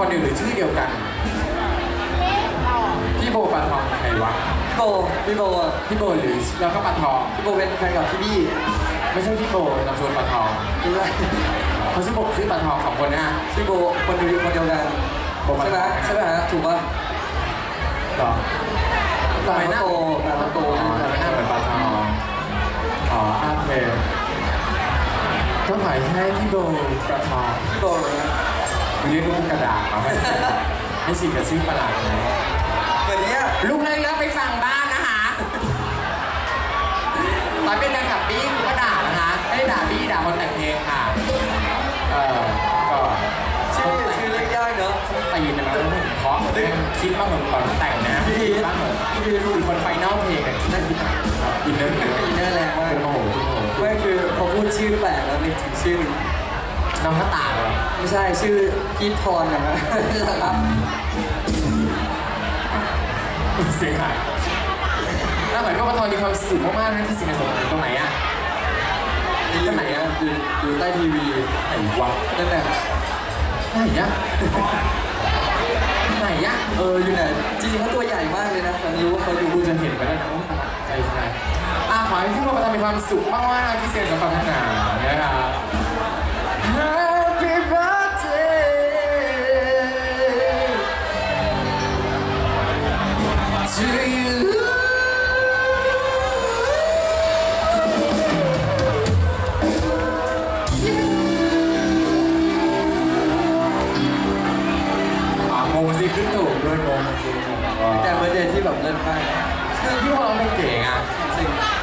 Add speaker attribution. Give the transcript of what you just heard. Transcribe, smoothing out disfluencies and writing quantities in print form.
Speaker 1: เดียวหรือชื่อเดียวกันพี่โบปลาทองใครวะ
Speaker 2: พี่โบอ่ะ
Speaker 1: พี่โบหรือแล้วก็ปลาทอง
Speaker 2: พี่โบเป็นแฟนกับพี่บี้
Speaker 1: ไม่ใช่พี่โบนามสกุลปลาทอง
Speaker 2: ไม่ใช่
Speaker 1: เขาชื่อโบชื่อปลาทอง2 คนนะ
Speaker 2: ชื่อโบคนเดียวกันใช่ไหมฮะถูกป่ะ
Speaker 1: หรอ
Speaker 2: ตาโต
Speaker 1: หน้าเหมือนปลาทองอ๋อโอเคก็หมายให้พี่โบปลาทอง
Speaker 2: พี่โบนะ
Speaker 1: เรียกลูกกระดาษมาให้สิกับชื่อประหลาดเลย
Speaker 2: เหมือนเนี้ย
Speaker 1: ลูกเล่นไปฟังบ้านนะคะตอนเป็นแฟนคลับบี้กูก็ด่านะคะไม่ได้ด่าบี้ด่าคนแต่งเพลงค่ะก็
Speaker 2: ชื่อเรียกยากเนอะ
Speaker 1: ตีนนะมันเพราะคิดบ้างเหมือนก่อนแต่งนะบ้างเหมือนพี่รู้คนไฟนอลเพลงนั่นอินเนอร์แรงมากโอ้โห
Speaker 2: ไม่คือพอพูดชื่อแปลกแล้วนึกถึงชื่อ
Speaker 1: น้องข้าตาเหรอ
Speaker 2: ไม่ใช่ชื่อพีทพรนะครับ
Speaker 1: เสียงหายน่าเหมือนว่าปลาทองมีความสุขมากๆนะที่สิงห์สมุทรตรงไหนอะ
Speaker 2: ที่ไหนอะอยู่ใต้ทีวี
Speaker 1: ไหนวะ
Speaker 2: นั่นแหละ
Speaker 1: ไหนอะไหนอะ
Speaker 2: อยู่ไหนจริงๆเขาตัวใหญ่มากเลยนะผมรู้ว่าเขาอยู่
Speaker 1: กูจะเห็นไปแล้วนะใจใช่ขอให้พี่โบปลาทองมีความสุขมากๆที่เสียงสัมพันธ์หนานะครับ Happy birthday to youงงสิขึ้นถูกด้วยงง
Speaker 2: แต่เบอร์เดย์ที่แบบเล่นไป
Speaker 1: คือพี่ว่าเราเป็นเก่งอ่ะ
Speaker 2: จริง